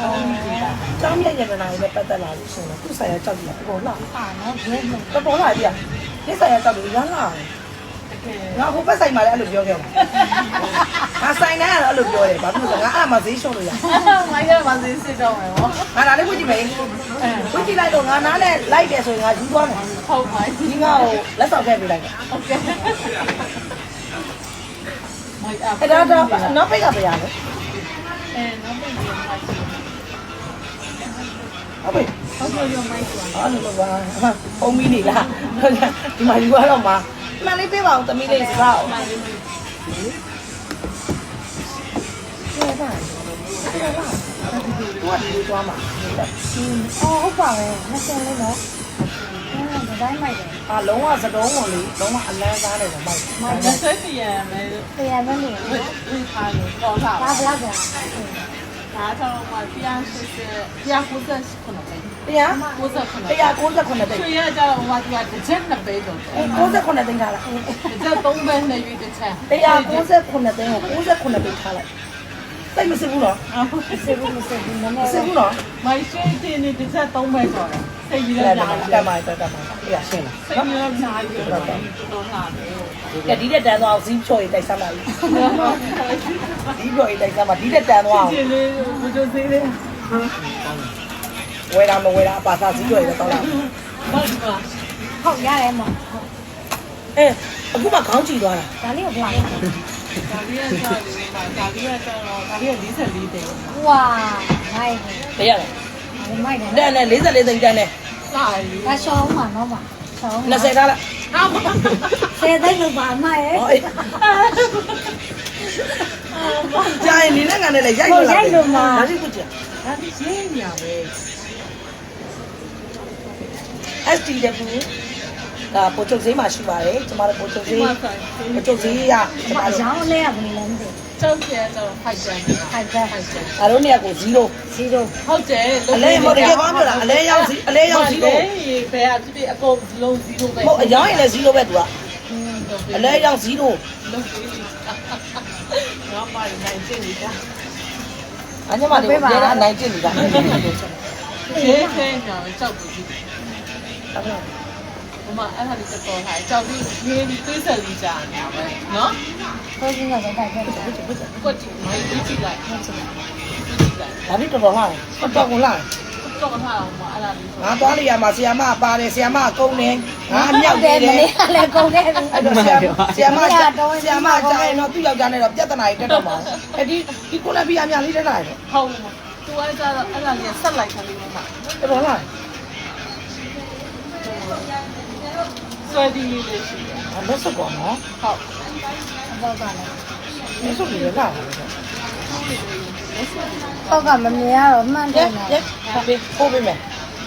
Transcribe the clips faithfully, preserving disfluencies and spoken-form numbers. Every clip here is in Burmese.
ကျောင်းမြတ်ရတနာရဲ့ပတ်သက်လာလို့ဆိုတော့သူ့ဆိုင်ရကြောက်ကြည့်တယ်ပေါ်လာအာနော်ဘယ်လိုတော်တော်လာပြီဒီဆိုင်ရကြောက်တယ်ရမ်းလာငါဟိုဘက်ဆိုင်မှာလည်းအဲ့လိုပြောခဲ့ပါငါဆိုင်တိုင်းကတော့အဲ့လိုပြောတယ်ဘာဖြစ်လို့လဲငါအဲ့မှာဈေးရှုံးလို့ရမိုင်းကမှစစ်စစ်တော့မယ်ဗောငါဒါလေးဝှကြည့်မယ်ဝှကြည့်လိုက်တော့ငါနားနဲ့လိုက်တယ်ဆိုရင်ငါယူသွားမယ်ဟုတ်ပါပြီဒီငါ့ကိုလက်ဆောင်ခဲ့ပေးလိုက်တယ်โอเคမိုင်းအအဲ့ဒါတော့နောက်ပိတ်ကပြရလဲအဲနောက်ပြန်ပြန်မိုင်းဟုတ်ပြီဟုတ်ကဲ့ရောမိုင်းကွာအားလုံးပါပုံမီနေလားဒီမှာယူရတော့မှာမှန်လေးပေးပါအောင်သမီးလေးစကားအောင် ကျေပါကျေပါဘာဒီလိုသွားမှာအော်ဟုတ်ပါပဲနှစ်ဆယ်လေးနော်ဒီတိုင်းမိုက်တယ်အာလုံးဝစတုံးဝင်လေလုံးဝအလန်းစားတယ်မိုက်မိုင်းလက်ဆက်စီရမယ်တရားပဲနေဝစ်ဝစ်ထားလို့ပေါ်လာဘာဘလောက်ကြာဒါတော့မှပြန်စစ်စစ်ပြန်ကိုဆက်ခုနပဲတရားကိုဆက်ခုနတရား၉ခုတိတ်ဆွေရကြတော့ဟိုကတစ်ချက်နှစ်ပဲတော့၉ခုတိတ်ထားလိုက်တစ်ချက်သုံးပဲနဲ့ရွေးတစ်ချက်တရား၉ခုတိတ်ကို၉ခုတိတ်ထားလိုက်တိတ်မစစ်ဘူးနော်မစစ်ဘူးမစစ်ဘူးနည်းနမည်းစစ်ဘူးနော်မိုင်းရှင်းတင်နေတစ်ချက်သုံးပဲဆိုတော့စိတ်ကြီးတလည်းက်ညာပါတယ်တက်ပါတက်ပါတရားရှင်းလားစိတ်ကြီးလည်းညာတယ်တော့လာတယ်ကဲဒီတက်တန်းသွားအောင်ဇီးဖြော်ရေးတိုက်စမ်းပါဦးဇီးဖြော်ရေးတိုက်စမ်းပါဒီတက်တန်းသွားအောင်ကျင်းလေးဘုဇိုသေးလေးဝယ်တာမဝယ်တာအပါစားဇီးဖြော်ရေးတော့လာဟုတ်ပါဟုတ်ရတယ်မအဲအခုမှခေါင်းကြည့်သွားတာဒါလေးကိုပြလိုက်ဒါလေးကကြာတယ်မှာဒါလေးကကြာတော့ဒါလေးက၄၄တယ်ဝါမိုက်ဘယ်ရလဲတယ်မိုက်တယ်တန်းနဲ့၄၄သိန်းတန်းနဲ့လာရီဒါရှောင်းမှာနော်ပါရှောင်း၂၀ထားလိုက်ဟာမဆယ်သိန်းလို့ပါမိုက်ရဲ့ဟောအေးကြာရင်နေနဲ့ငါနဲ့လည်းရိုက်လို့လာဒါရှိခုကြဒါဒီရှင်းညာပဲအက်စ် တီ W ဒါပိုချုပ်ဈေးမှာရှိပါတယ်ကျမတို့ပိုချုပ်ဈေးပိုချုပ်ဈေးရကျမအတို့ရောင်းလေးကဘယ်လိုလဲမသိကျောက်ကျဲတော့ဖိုက်တယ်ဖိုက်တယ်ဖိုက်တယ်ဒါတို့เนี่ยကို0 စီရိုဟုတ်တယ်အလဲမဟုတ်တကယ်ကောင်းပြောတာအလဲရောက်စီအလဲရောက်0 ဘယ်ဘယ်အဖြစ်အကုန်လုံး0ပဲမဟုတ်အရောင်းရင်လည်း0ပဲသူကအလဲရောက်0 လုံးပြီးတော့မှနိုင်ကျင်နေတာအညမလေးကိုပြန်အနိုင်ကျင့်နေတာကျေးဇူးညာပဲကြောက်ပြီးဘမအဲ့ဒါလေးတော့ထားကြောက်ပြီးရေးပြီးတွေးဆက်ပြီးကြာနေတာပဲနော်ကိုကြီးကလည်းတိုက်ခဲ့တယ်ကွက်တီမိုင်းပြီးကြည့်လိုက်ဟုတ်တယ်ကြည့်လိုက်ဒါပြီးတော်တော်လှတယ်တော်တော်လှတယ်တော့ထားအောင်မအဲ့ဒါလေးဆိုငါသွားလိုက်ရမှာဆီယာမပါတယ်ဆီယာမကုန်းနေငါမြောက်တယ်နေမတယ်နေ့ကလည်းကုန်ခဲ့ပြီအဲ့တော့ဆီယာဆီယာမဆီယာမကြာရင်တော့သူ့ယောက်ျားနဲ့တော့ပြဿနာတွေတက်တော့မှာအဲ့ဒီဒီကိုလက်ပြီးအများလေးတက်လာတယ်ဟုတ်မှာသူအဲ့ဒါအဲ့ဒါလေးဆက်လိုက်ခါလေးမှာတော်တော်လှတယ်ဆွဲဒီလေးလေးရှိတယ်အမစကောနော်ဟုတ်အတော့ကလည်းမစပြီးရလာတယ်တော့ကမမြင်ရတော့မှန်တရဲယ်နော်ရဲပေးပို့ပေးမယ်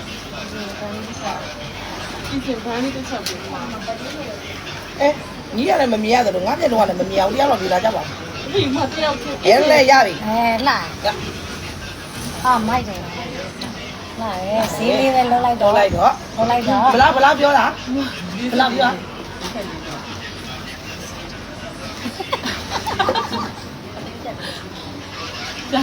ဒီစင်ဘာလေးတစ်ချက်ပြီးမှာအဲညီရတယ်မမြင်ရတယ်လို့ငါပြတော့လည်းမမြင်အောင်တရားတော်ပြလာကြပါဒီမှာတယောက်ဖြစ်ရဲလည်းရပြီအဲလာဟာမိုက်တယ်လာရဲဈေးလေးပဲလောက်လိုက်တော်တော့လိုက်တော့လောက်လိုက်တော့ဘလားဘလားပြောတာဘလားပြောဒါ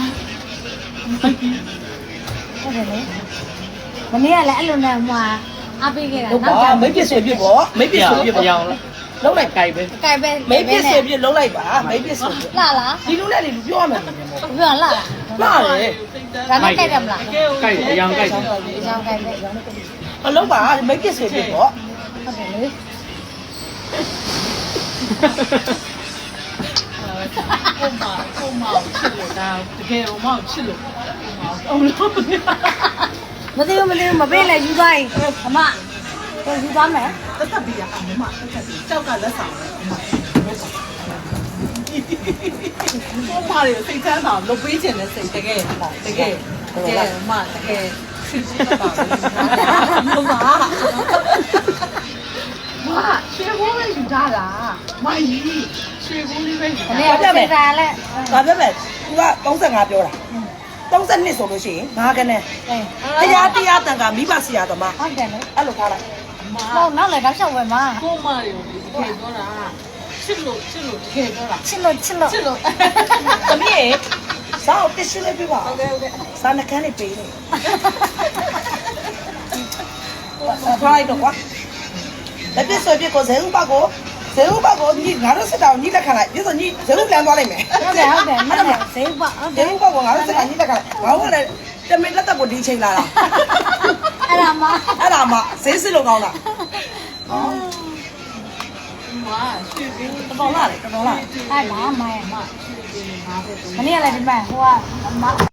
ဟုတ်တယ်လေမနေ့ကလည်းအဲ့လိုနဲ့ဟိုအားပေးခဲ့တာဟုတ်ပါမိတ်ပြဆွေပြပေါ့မိတ်ပြဆွေပြပေါ့လုံးလိုက်ကြိုက်ပဲကြိုက်ပဲမိတ်ပြဆွေပြလုံးလိုက်ပါမိတ်ပြဆွေပြလာလားဒီလူနဲ့လေလူပြောရမယ်လို့ပြောပြောလာလားမှားတယ်ဒါနဲ့ကြိုက်တယ်မလားကဲကိုက်အယောင်ကိုက်တယ်ဒီကြောင်ကြိုက်တယ်ဟုတ်အလုံးပါမိတ်ပြဆွေပြပေါ့တယ်လေကိုမကိုမချစ်လို့ဒါတကယ်တော့မချစ်လို့အောင်လို့မသိဘူးမသိဘူးမပေးလဲယူသွားရင်အမကိုယူသွားမယ်တက်တက်ပြီးရအောင်မတက်တက်ပြီးကြောက်ကလက်ဆောင်ပဲကိုမရစိတ်ချမ်းသာလုပ်ပေးခြင်းနဲ့စိတ်တကယ်တကယ်တကယ်မတကယ်ချစ်ချစ်ပါဘူးမမရွှေဘိုးလေးယူထားတာမကြီးရွှေဘိုးလေးပဲယူဒီနေ့ကစိတ်ဓာတ်လဲဒါပြောမယ် तू က35ပြောတာ32ဆိုလို့ရှိရင်ငါကနေအေးတရားတရားတန်ကမိဘဆရာသမားဟုတ်တယ်လေအဲ့လိုထားလိုက်ဟုတ်နောက်လည်းတော့ရှောက်ဝယ်မှာကိုမရဒီတကယ်ပြောတာချစ်လို့ချစ်လို့တကယ်ပြောတာချစ်လို့ချစ်လို့ချစ်လို့သမီးရေစားအောင်တစ်ရှင်းလေးပြပါဟုတ်ကဲ့ဟုတ်ကဲ့စားနှကန်းလေးပေးနေထားလိုက်တော့ကွာလက်ပြဆွဲပြကိုဇေဥပကိုဇေဥပကိုညီငါတို့စစ်တောင်ညီလက်ခံလိုက်ပြဆိုညီဇေဥလမ်းသွားလိုက်မယ်ဟုတ်တယ်ဟုတ်တယ်မှန်တယ်ဈေးပါဟုတ်ဇေတယ်ဥပကိုငါတို့စစ်တောင်ညီလက်ခံလိုက်ငါတို့ကလည်းတမင်လက်သက်ကိုဒီချိန်လာတာအဲ့ဒါမှအဲ့ဒါမှဈေးစစ်လို့ကောင်းတာမာရွှေပြီးတော်တော်လာလေတော်တော်လာအဲ့ဒါမှရဲ့မှမနေ့ကလည်းဒီမှာဟိုကအမ